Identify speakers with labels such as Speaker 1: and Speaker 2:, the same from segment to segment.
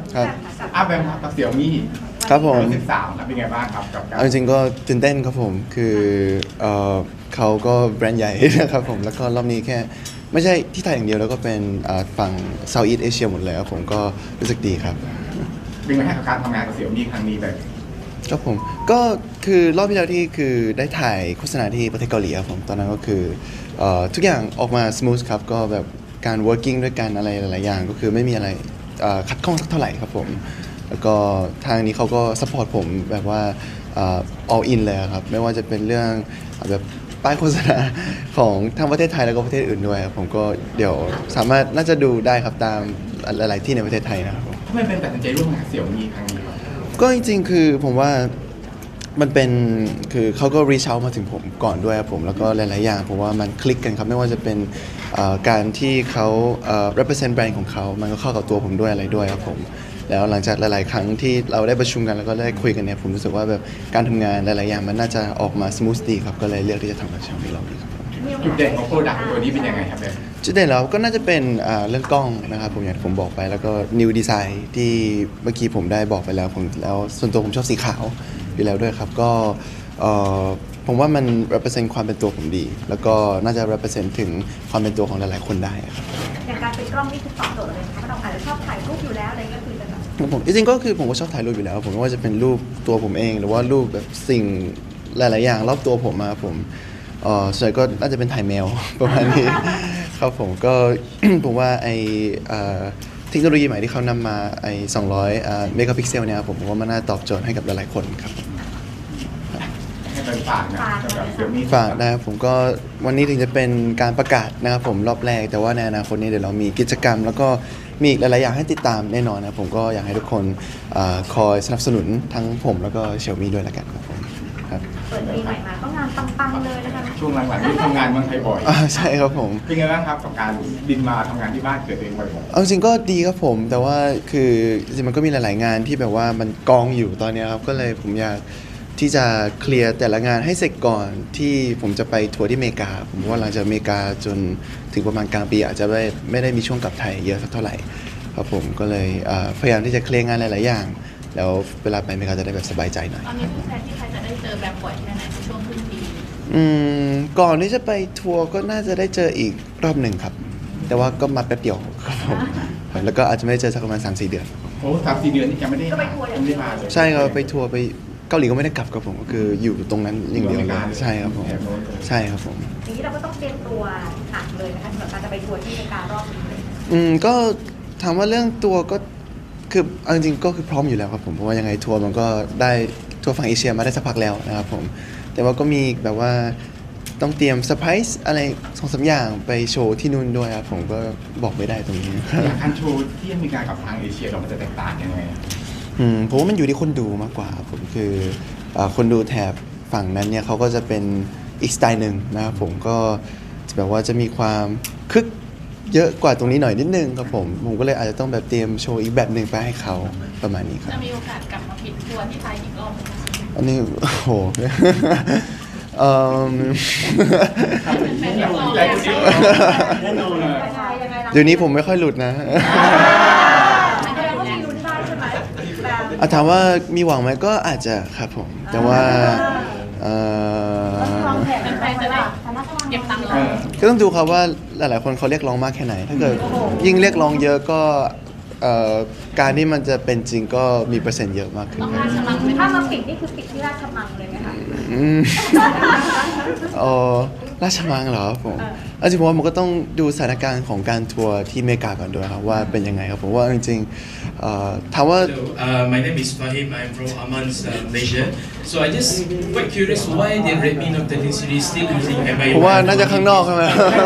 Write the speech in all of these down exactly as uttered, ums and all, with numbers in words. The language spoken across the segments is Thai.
Speaker 1: ครับ
Speaker 2: อาแบมกับเสี่ยวมี่
Speaker 1: ครับผม
Speaker 2: สิบสามครับเป็นไงบ้างครับกับการ
Speaker 1: เอาจริงๆก็ตื่นเต้นครับผมคือเอ่อเขาก็แบรนด์ใหญ่ นะครับผมแล้วก็รอบนี้แค่ไม่ใช่ที่ไทยอย่างเดียวแล้วก็เป็นอ่าฝั่ง Southeast Asia หมดเลยครับผมก็รู้สึกดีครับ
Speaker 2: เป็นไงกับการทำงานกับเสี่ยวมี่ครั้งนี้แบบ
Speaker 1: ครับผมก็คือรอบที่แล้วที่คือได้ถ่ายโฆษณาที่ประเทศเกาหลีครับผมตอนนั้นก็คือเอ่อทุกอย่างออกมา smooth ครับก็แบบการ working ด้วยกันอะไรหลายๆอย่างก็คือไม่มีอะไรเอ่อขัดข้องสักเท่าไหร่ครับผมแล้วก็ทางนี้เขาก็ support ผมแบบว่าเอ่อ all in เลยครับไม่ว่าจะเป็นเรื่องแบบป้ายโฆษณาของทั้งประเทศไทยแล้วก็ประเทศอื่นด้วยครับผมก็เดี๋ยวสามารถน่าจะดูได้ครับตามหลายๆที่ในประเทศไทยนะครับผม
Speaker 2: ทำไมเป็นตัดสินใจร่วมงานกับเสี่ยวมี่ครั้งนี้ครับ
Speaker 1: ก็จริงๆ คือผมว่ามันเป็นคือเขาก็ reach out มาถึงผมก่อนด้วยครับผมแล้วก็หลายๆ อย่างผมว่ามันคลิกกันครับไม่ว่าจะเป็นเอ่อการที่เขาเอ่อ represent แบรนด์ของเขามันก็เข้ากับตัวผมด้วยอะไรด้วยครับผมแล้วหลังจากหลายๆ ครั้งที่เราได้ประชุมกันแล้วก็ได้คุยกันเนี่ยผมรู้สึกว่าแบบการทำงานหลายๆ อย่างมันน่าจะออกมา smooth ดีครับก็เลยเลือกที่จะทำกับชามีเราดีครับ
Speaker 2: จุดเด่นของโปรดักต์ตัวนี้เป็นยังไงครับแบม
Speaker 1: จุดเด่นแล้วก็น่าจะเป็นอ่าเรื่องกล้องนะครับผมอย่างที่ผมบอกไปแล้วก็ new design ที่เมื่อกี้ผมได้บอกไปแล้วผมแล้วส่วนตัวผมชอบสีขาวอยู่แล้วด้วยครับก็เอ่อผมว่ามัน represent ความเป็นตัวผมดี แล้วก็น่าจะ represent ถึงความเป็นตัวของหลายๆคนได้ครับ
Speaker 3: อย่างการเป็นกล้องนี่คือตอบโจทย์เลยนะคะเราอาจจะชอบถ่ายรูปอยู่แล้วอะไรก็คือจะแบบ
Speaker 1: ครับผมจริงๆก็คือผมก็ชอบถ่ายรูปอยู่แล้วผมไม่ว่าจะเป็นรูปตัวผมเอง หรือว่ารูปแบบสิ่งหลายๆอย่างรอบตัวผมมาผมเอ่อส่วนใหญ่ก็น่าจะเป็นถ่ายแมว ประมาณนี้ ครับผมก็ ผมว่าไอเอ่อเทคโนโลยีใหม่ที่เขานำมาไอสองร้อยเมกะพิกเซลเนี่ยครับผมผมว่ามันน่าตอบโจทย์ให้กับหลายๆคนครับ
Speaker 2: ให้เป็นฝากนะสำหรับเสี่ยวมี่
Speaker 1: ฝากนะครับผมก็วันนี้ถึงจะเป็นการประกาศนะครับผมรอบแรกแต่ว่าในอนาคตนี้เดี๋ยวเรามีกิจกรรม แล้วก็มีอีกหลายๆอย่างให้ติดตามแน่นอนนะครับผมก็อยากให้ทุกคนอาคอยสนับสนุนทั้งผมแล้วก็เชลมี่ด้วยละกันครับผมครับ
Speaker 3: เปิดปีใหม่มาก็งานปังๆเลยนะคะ
Speaker 2: ช่วงหลังๆที่ทำงานเมืองไทยบ่อย
Speaker 1: อ่าใช่ครับผม
Speaker 2: เป็นไงบ้างครับกับการบินมาทำงานที่บ้านเกิดเองบ่อย
Speaker 1: เอาจริงก็ดีครับผมแต่ว่าคือจริงๆมันก็มีหลายๆงานที่แบบว่ามันกองอยู่ตอนเนี้ยครับก็เลยผมอยากที่จะเคลียร์แต่ละงานให้เสร็จก่อนที่ผมจะไปทัวร์ที่อเมริกาผมว่าหลังจากอเมริกาจนถึงประมาณกลางปีอาจจะไม่ไม่ได้มีช่วงกลับไทยเยอะสักเท่าไหร่ครับผมก็เลยเอ่อพยายามที่จะเคลียร์งานหลายๆอย่าง แล้วเวลาไปอเมริกาจะได้แบบสบายใจหน่อย
Speaker 4: ตอนนี้ผู้แทนที่ไทยจะได้เจอแบบบ่อยแค่ไหนในช่วงครึ่งปี
Speaker 1: อืมก่อนที่จะไปทัวร์ก็น่าจะได้เจออีกรอบหนึ่งครับ แต่ว่าก็มาแป๊บเดียวครับผมแล้วก็อาจจะไม่ได้เจอสักประมาณ สามสี่ เดือน
Speaker 2: ๆโอ้สามสี่เดือนนี่ยังไม่ได้
Speaker 3: ก็ไปทัวร์อย่าง
Speaker 2: ไม่
Speaker 3: เดี
Speaker 2: ได้
Speaker 3: ยว
Speaker 2: มาเลย
Speaker 1: ใช่ครับไปทัวร์ไปเกาหลีก็ไม่ได้กลับครับผมก็คืออยู่ตรงนั้นอย่างเดียวเลยใช่ครับผมใช่ครับผม
Speaker 3: อย่างนี้เราก็ต้องเตรียมตัวหนักเลยนะคะสำหรับการจะไปทัวร์ที่อเมริการอบนี้เลย
Speaker 1: อืมก็ถามว่าเรื่องตัวก็คือเอาจริงๆก็คือพร้อมอยู่แล้วครับผมเพราะว่ายังไงทัวร์มันก็ได้ทัวร์ฝั่งเอเชียมาได้สักพักแล้วนะครับผมแต่ว่าก็มีแบบว่าต้องเตรียมเซอร์ไพรส์อะไรสองสามอย่างไปโชว์ที่นู่นด้วยครับผมก็บอกไม่ได้ตรงนี้
Speaker 2: อย่างการโชว์ที่อเมริกากับทางเอเชียเรามันจะแตกต่างยังไง
Speaker 1: อืมผมว่ามันอยู่ที่คนดูมากกว่าครับผมคือเอ่อคนดูแถบฝั่งนั้นเนี่ยเขาก็จะเป็นอีกสไตล์หนึ่งนะครับผมก็จะแบบว่าจะมีความคึกเยอะกว่าตรงนี้หน่อยนิดนึงครับผมผมก็เลยอาจจะต้องแบบเตรียมโชว์อีกแบบหนึ่งไปให้เขาประมาณนี้ครับ
Speaker 4: จะมีโอกาสกลับมาปิดทัวร์ที่ไทยอีกรอบไหมคะ
Speaker 1: อันนี้โอ้โห เอ่อ
Speaker 4: แฟนๆเรียกร้อง
Speaker 2: ใจ
Speaker 4: แล้ว
Speaker 2: จริง
Speaker 4: ค่ะ
Speaker 2: แน่นอนเลย
Speaker 3: ยังไงยังไงรา
Speaker 1: เดี๋ยวนี้ผมไม่ค่อยหลุดนะ
Speaker 3: แสดงว่ามีลุ้นได้ใช่ไหมแบบ
Speaker 1: อ่ะถามว่ามีหวังไหมก็อาจจะครับผม แต่ว่าเอ่อ
Speaker 3: วางแผน
Speaker 4: แฟนๆจะได้เก็บตังค์ร
Speaker 2: เอ
Speaker 4: อ
Speaker 2: อ
Speaker 1: ก็ต้องดูครับว่าหลาย ๆ คนเขาเรียกร้องมากแค่ไหน ถ้าเกิดยิ่งเรียกร้องเยอะก็เอ่อการที่มันจะเป็นจริงก็มีเปอร์เซ็นต์เยอะมากขึ้น
Speaker 4: ต้องราชมังไหม
Speaker 3: ถ้า
Speaker 4: คะ
Speaker 3: มาปิดนี่คือปิดที่ราชมังเลยไหมคะ
Speaker 1: อืมเออราชมังเหรอครับผมเอาจริงๆผมว่ามันก็ต้องดูสถานการณ์ของการทัวร์ที่อเมริกาก่อนด้วยครับว่าเป็นยังไงครับผมว่าจริงๆเอ่อถามว่า
Speaker 5: Hello, uh, my name is Fahim. I'm from Amman's uh, Malaysia. So I just quite curious why the Redmi Note thirteen series still using M I U I
Speaker 1: ผมว่าน่าจะข้างนอกใช่ไหม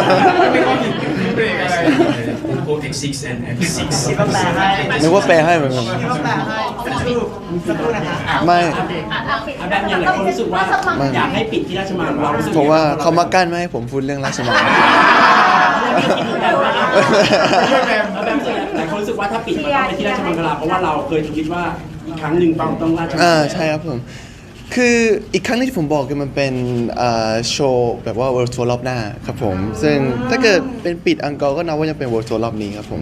Speaker 5: Oppo เอ็กซ์ ซิกซ์ and เอ็ม ซิกซ์
Speaker 1: นึกว่าแปลให้เหมือนกันไม่
Speaker 6: อาแบบอย่างไรคนรู้สึกว่าอยากให้ปิดที่ราชมังเรารู้สึก
Speaker 1: ผมว่าเขามากั้นไม่ให้ผมพูดเรื่องราชมัง
Speaker 6: อาแบบหลายคนรู้สึกว่าถ้าปิดมันต้องไปที่ราชมังคลาเพราะว่าเราเคยคิดว่าอีกครั้งหนึ่งต้องต้องราชมัง
Speaker 1: อ่าใช่ครับผม คืออีกครั้งที่ผมบอกคือมันเป็นอ่าโชว์แบบว่า World Tour รอบหน้าครับผม ซึ่งถ้าเกิดเป็นปิดอังกอร์ก็นับว่ายังเป็น World Tour รอบนี้ครับผม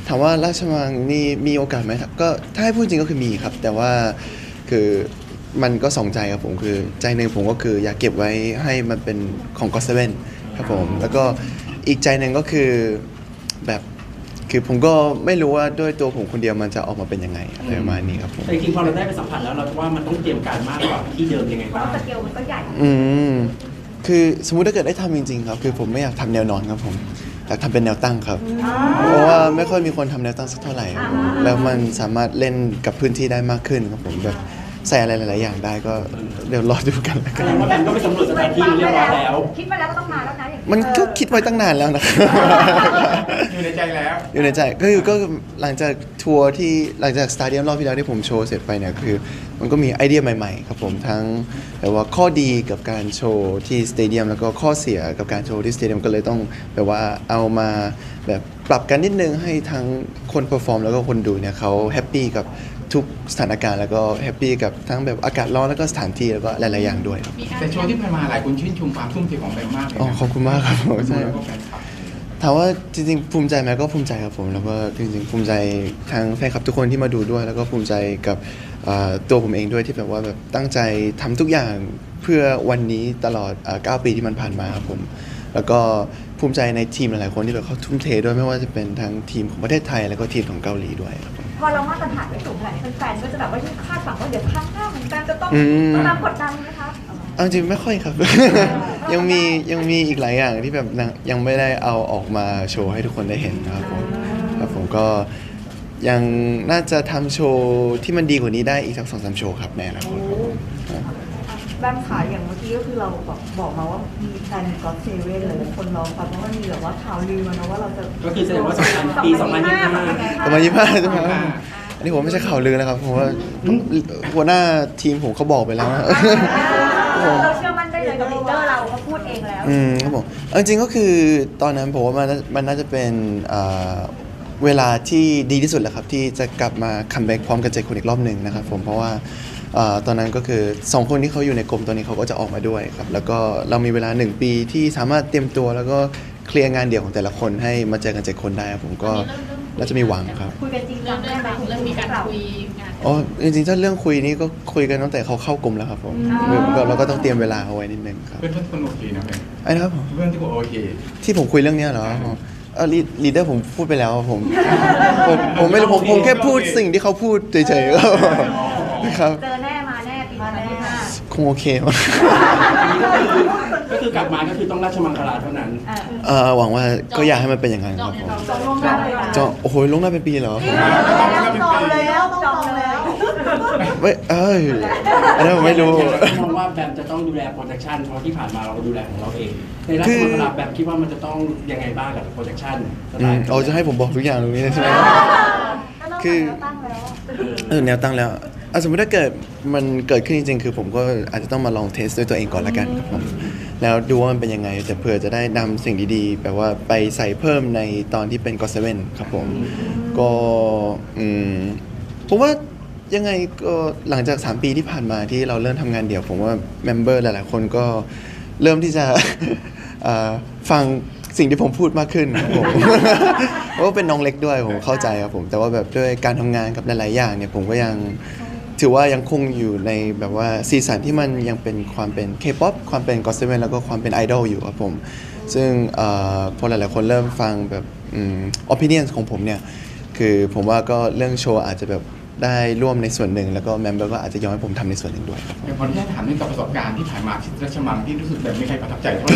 Speaker 1: ถามว่าราชมังนี่มีโอกาสไหมก็ถ้าให้พูดจริงก็คือมีครับ แต่ว่าคือมันก็สองใจครับผมคือใจหนึ่งผมก็คืออยากเก็บไว้ให้มันเป็นของก็อตเซเว่นครับผมแล้วก็อีกใจหนึ่งก็คือแบบคือผมก็ไม่รู้ว่าด้วยตัวผมคนเดียวมันจะออกมาเป็นยังไงอะไรประมาณนี้ครับผม
Speaker 6: แต่จริงๆพอเราได้ไปสัมผัสแล้วเราว่ามันต้องเตรียมการมากกว่าที่เดิมยังไง
Speaker 3: เพ
Speaker 6: บ้า
Speaker 3: ราะ
Speaker 6: ง
Speaker 3: สเกลมันก็ใหญ่
Speaker 1: อืมคือสมมุติถ้าเกิดได้ทำจริงๆครับคือผมไม่อยากทำแนวนอนครับผมอยากทำเป็นแนวตั้งครับ เพราะว่าไม่ค่อยมีคนทำแนวตั้งสักเท่าไหร่ครับผมแล้วมันสามารถเล่นกับพื้นที่ได้มากขึ้นครับผมแบบใส่อะไรหลายๆอย่างได้ก็เดี๋ยวรอดูกันแล้ว
Speaker 6: แส
Speaker 1: กัน
Speaker 6: ดงว่าแบมก็ไปสำรวจสถานที่เรียบร้อยแล้ว
Speaker 3: คิดมาแล้วก็ต้องมาแล้วนะอย่าง
Speaker 1: มันก็คิดไว้ตั้งนานแล้วนะครับ
Speaker 2: อยู่ในใจแล้ว
Speaker 1: อยู่ในใจก็คือก็หลังจากทัวร์ที่หลังจากสตาเดียมรอบที่แล้วที่ผมโชว์เสร็จไปเนี่ยคือ มันก็มีไอเดียใหม่ๆครับผมทั้งแบบว่าข้อดีกับการโชว์ที่สเตเดียมแล้วก็ข้อเสียกับการโชว์ที่สเตเดียมก็เลยต้องแบบว่าเอามาแบบปรับกันนิดนึงให้ทั้งคนเปอร์ฟอร์มแล้วก็คนดูเนี่ยเขาแฮปปี้กับทุกสถานการณ์แล้วก็แฮปปี้กับทั้งแบบอากาศร้อนแล้วก็สถานที่แล้วก็หลายๆอย่างด้วยครับ
Speaker 4: มีการ
Speaker 2: แต่โชว์ที่ผ่านมาหลายคนชื่นชมความทุ่มเทของแบมมากเลย
Speaker 1: อ๋อ
Speaker 2: นะ
Speaker 1: ขอบคุณมากครับผมใช่
Speaker 2: แล้วก็แฟนคลับ
Speaker 1: ถามว่าจริงๆภูมิใจไหมก็ภูมิใจครับผมแล้วก็จริงๆภูมิใจทั้งแฟนคลับทุกคนที่มาดูด้วย แล้วก็ภูมิใจกับเอ่อตัวผมเองด้วยที่แบบว่าแบบตั้งใจทำทุกอย่างเพื่อวันนี้ตลอดเอ่อเก้าปีที่มันผ่านมาครับผมแล้วก็ภูมิใจในทีมหลายๆคนที่แบบเขาทุ่มเทด้วยไม่ว่าจะเป็นทั้งทีมของประเทศไทยแล้วก็ทีมของเกาหลีด้วยครับผม
Speaker 3: พอเรามาตรฐานไม่สูงขนาดนี้แฟนๆก็จะแบบว่ายิ่งคาดหวังว่าเดี๋ยวครั้งหน้าเหมือนกันจะต้อง
Speaker 1: อืม
Speaker 3: ตามกดดันไหมคะ
Speaker 1: เอาจริงไม่ค่อยครับ ยังมียังมีอีกหลายอย่างที่แบบยังยังไม่ได้เอาออกมาโชว์ให้ทุกคนได้เห็นนะครับผมครับผมก็ยังน่าจะทำโชว์ที่มันดีกว่านี้ได้อีกสักสองสามโชว์ครับในอนาคตครับผม
Speaker 7: แบมขาอย่างเมื่อกี้ก็คือเราบอกบอกมาว่ามีแฟนก็อตเซเว่นเลยคนรอฟังเพราะว่ามีแบบว่าข่าวลือมานะว่าเราจะ
Speaker 6: ก็คือแสดงว่าสองพันปีสองพันยี่สิบห้า
Speaker 1: ประมาณยี่ห้าใช่ไหมครับอันนี้ผมไม่ใช่ข่าวลือนะครับผมว่าหัวหน้าทีมผมเขาบอกไปแล้วนะ
Speaker 3: เราเชื่อมั่นได้เลยกับลีดเดอร์เราเขาพูดเองแล้ว
Speaker 1: อืมครับผมเอาจริงๆก็คือตอนนั้นผมว่ามันน่ามันน่าจะเป็นเอ่อเวลาที่ดีที่สุดแหละครับที่จะกลับมาคัมแบ็กพร้อมกันเจ็ดคนอีกรอบหนึ่งนะครับผมเพราะว่าเอ่อตอนนั้นก็คือสองคนที่เขาอยู่ในกรมตอนนี้เขาก็จะออกมาด้วยครับแล้วก็เรามีเวลาหนึ่งปีที่สามารถเตรียมตัวแล้วก็เคลียร์งานเดี่ยวของแต่ละคนให้มาเจอกันเจ็ดคนได้ครับผมก็น่าจะมีหวังครับ
Speaker 3: คุยกันจริงจั
Speaker 4: เริ่
Speaker 3: ง
Speaker 4: ม
Speaker 3: ได้
Speaker 4: เริ่ม
Speaker 3: ไหม
Speaker 4: เริ่มมีการคุยงาน
Speaker 1: อ๋อจริงๆถ้าเรื่องคุยนี่ก็คุยกันตั้งแต่เขาเข้ากรมแล้วครับผมก็เราก็ต้องเตรียมเวลาเอาไว้นิดนึงครับ
Speaker 2: เพื่อนทุกคนโอเคนะแบม
Speaker 1: ไอ้นะครับผม
Speaker 2: เพื่อนทุกคนโอเค
Speaker 1: ที่ผมคุยเรื่องเนี้ยเหรอเออลีดเดอร์ผมพูดไปแล้วผมผมผมไม่รู้ผมผมแค่พูดสิ่งที่เขาพูดเฉยๆครับ
Speaker 3: เจอแน่มาแน่ปีมาแน่
Speaker 1: คงโอเคมั้ง
Speaker 6: ก็คือกลับมาก็คือต้องราชมังคลาเท่านั้น
Speaker 1: เออหวังว่าก็อยากให้มันเป็นอย่างนั้นครับผม
Speaker 3: จองล่วงหน้าเลยนะ
Speaker 1: จองโอ้โหลงหน้าเป็นปีเหรอ
Speaker 7: ต้องจองแล้วต้องจองแล้ว
Speaker 1: ไม่เอ้ยอันนั้นผมไม่รู้
Speaker 6: มองว่าแบมจะต้องดูแลโปรดักชันเพราะที่ผ่านมาเราก็ดูแลของเราเอง ในราชมังคลาแบมคิดว่ามันจะต้องยังไงบ้างกับโปรดักชันส
Speaker 1: อื
Speaker 6: ไต
Speaker 1: ม
Speaker 6: ล์
Speaker 1: เอาจะให้ผมบอกทุกอย่างตรงนี้เลยใช่ไหม คือ
Speaker 3: ตั้งแล้ว
Speaker 1: เออแนวตั้งแล้วเอาสมมติถ้าเกิดมันเกิดขึ้นจริงๆ คือผมก็อาจจะต้องมาลองเทสด้วยตัวเองก่อนละกันครับผมแล้วดูว่ามันเป็นยังไงแต่เผื่อจะได้นำสิ่งดีๆแบบว่าไปใส่เพิ่มในตอนที่เป็นก็อตเซเว่นครับผมก็อืมผมว่ายังไงก็หลังจากสามปีที่ผ่านมาที่เราเริ่มทำงานเดี่ยว ผมว่าเมมเบอร์หลายๆคนก็เริ่มที่จะ เอ่อฟังสิ่งที่ผมพูดมากขึ้นครับผม เพราะว่าเป็นน้องเล็กด้วยผมเข้าใจครับผมแต่ว่าแบบด้วยการทำงานกับหลายๆอย่างเนี่ยผมก็ยังถือว่ายังคงอยู่ในแบบว่าซีสันที่มันยังเป็นความเป็น K-pop ความเป็น ก็อตเซเว่น แล้วก็ความเป็นไอดอลอยู่ครับผมซึ่งเอ่อพอหลายๆคนเริ่มฟังแบบอืม opinion ของผมเนี่ยคือผมว่าก็เรื่องโชว์อาจจะแบบได้ร่วมในส่วนหนึ่งแล้วก็แมมเบอร์ก็อาจจะยอมให้ผมทำในส่วนหนึ่งด้วยครับ
Speaker 2: แต่พอที่ถามเรื่องกับประสบการณ์ที่ผ่านมาที่ราชมังที่รู้สึกแบบไม่ใครประทับใจเท่าไหร่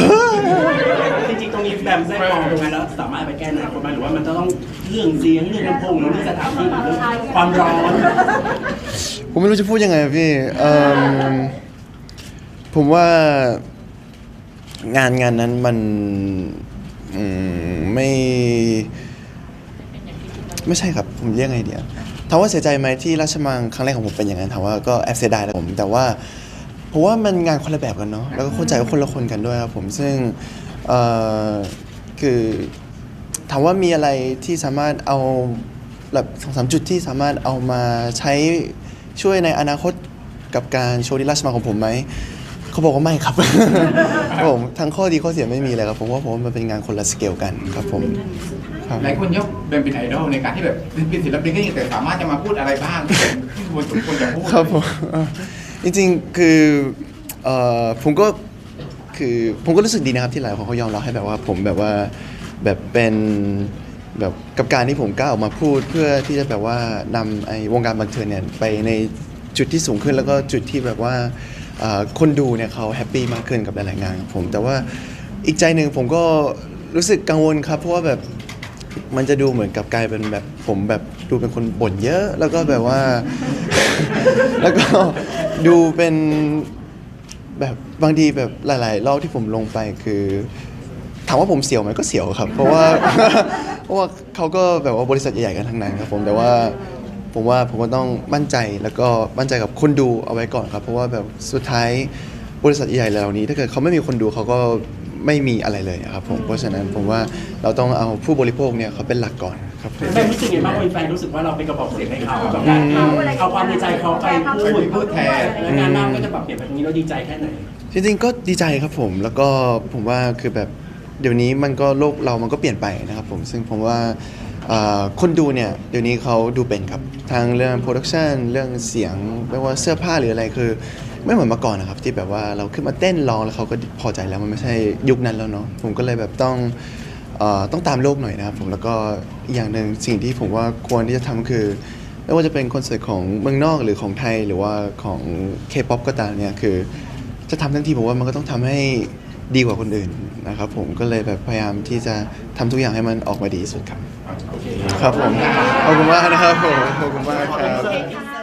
Speaker 6: จริงๆตรงนี้แบมได้มองตรงนั้นแล้วสามารถไปแก้ในอนาคตไหมหรือว่ามันจะต้องเรื่องเสียงเรื่องลำโพงหรือเรื่องสถานที่หรือเรื่องความร้อน
Speaker 1: ผมไม่รู้จะพูดยังไงอะพี่เอิ่มผมว่างานงานนั้นมันอืมไม่ไม่ใช่ครับผมเรียกไงเดียวถามว่าเสียใจไหมที่ราชมังครั้งแรกของผมเป็นอย่างนั้นถามว่าก็แอบเสียดายแหละผมแต่ว่าผมว่ามันงานคนละแบบกันเนาะแล้วก็เข้าใจว่าคนละคนกันด้วยครับผมซึ่งเอ่อคือถามว่ามีอะไรที่สามารถเอาแบบสองสามจุดที่สามารถเอามาใช้ช่วยในอนาคตกับการโชว์ที่ราชมังของผมไหมเขาบอกว่าไม่ครับ ครับผมทั้งข้อดีข้อเสียไม่มีเลยครับผมว่าผมว่ามันเป็นงานคนละสเกลกันครับผมครับ
Speaker 2: หลายคนยกเบนเป็นไอดอลในการที่แบบเป็นศิลปินก็ยังแต่สามารถจะมาพูดอะไรบ้างที่ควรสมควรจะพูด
Speaker 1: ครับผมเอ่อจริงๆคือเอ่อผมก็คือผมก็รู้สึกดีนะครับที่หลายคนเขายอมรับให้แบบว่าผมแบบว่าแบบเป็นแบบกับการที่ผมกล้าออกมาพูดเพื่อที่จะแบบว่านำไอ้วงการบันเทิงเนี่ยไปในจุดที่สูงขึ้นแล้วก็จุดที่แบบว่าเอ่อคนดูเนี่ยเขาแฮปปี้มากขึ้นกับหลายๆงานของผมแต่ว่าอีกใจหนึ่งผมก็รู้สึกกังวลครับเพราะว่าแบบมันจะดูเหมือนกับกลายเป็นแบบผมแบบดูเป็นคนบ่นเยอะแล้วก็แบบว่า แล้วก็ดูเป็นแบบบางทีแบบหลายๆรอบที่ผมลงไปคือถามว่าผมเสียวไหมก็เสียวครับ เพราะว่า เพราะว่าเขาก็แบบว่าบริษัทใหญ่ๆกันทั้งนั้นครับผมแต่ว่าผมว่าผมก็ต้องมั่นใจแล้วก็มั่นใจกับคนดูเอาไว้ก่อนครับเพราะว่าแบบสุดท้ายบริษัทใหญ่ๆเหล่านี้ถ้าเกิดเขาไม่มีคนดูเขาก็ไม่มีอะไรเลยครับผมเพราะฉะนั้นผมว่าเราต้องเอาผู้บริโภคเนี่ยเขาเป็นหลักก่อนครับผม
Speaker 6: แฟนรู้สึกไงบ้างวันแฟนรู้สึกว่าเราเป็นกระบอกเสียงให้เขาแบบการเอาความในใจเขาไปพูด
Speaker 2: พูดแทน
Speaker 6: และงานหน้าก็จะปรับเปลี่ยนแบบนี้เราดีใจแค่ไหน
Speaker 1: จริงๆก็ดีใจครับผมแล้วก็ผมว่าคือแบบเดี๋ยวนี้มันก็โลกเรามันก็เปลี่ยนไปนะครับผมซึ่งผมว่าอ่าคนดูเนี่ยเดี๋ยวนี้เขาดูเป็นครับทั้งเรื่องโปรดักชันเรื่องเสียงไม่ว่าเสื้อผ้าหรืออะไรคือไม่เหมือนเมื่อก่อนนะครับที่แบบว่าเราขึ้นมาเต้นร้องแล้วเขาก็พอใจแล้วมันไม่ใช่ยุคนั้นแล้วเนาะผมก็เลยแบบต้องเอ่อต้องตามโลกหน่อยนะครับผมแล้วก็อีกอย่างหนึ่งสิ่งที่ผมว่าควรที่จะทำคือไม่ว่าจะเป็นคอนเสิร์ตของเมืองนอกหรือของไทยหรือว่าของ K-pop ก็ตามเนี่ยคือ จะทำทั้งทีผมว่ามันก็ต้องทำให้ดีกว่าคนอื่นนะครับผมก็เลยแบบพยายามที่จะทำทุกอย่างให้มันออกมาดีที่สุดครับ
Speaker 6: โอเค
Speaker 1: ครับผมขอบคุณมากนะครับผมขอบคุณมากครับ
Speaker 3: โอเคค่ะ